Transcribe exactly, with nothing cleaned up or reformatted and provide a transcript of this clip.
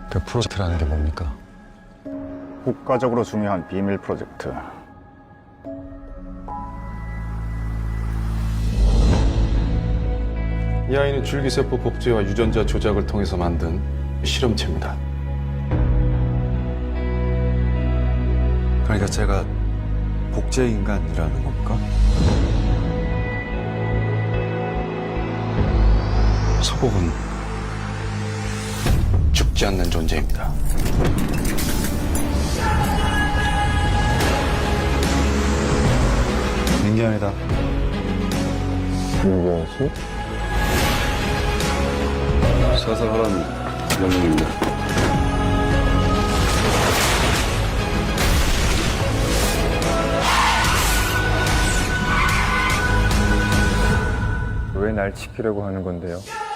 그 프로젝트라는 게 뭡니까? 국가적으로 중요한 비밀 프로젝트. 이 아이는 줄기세포 복제와 유전자 조작을 통해서 만든 실험체입니다. 그러니까 제가 복제 인간이라는 겁니까? 서복은 죽지 않는 존재입니다. 민기현이다. 민기현 씨? 사살하라는 명령입니다. 왜 날 지키려고 하는 건데요?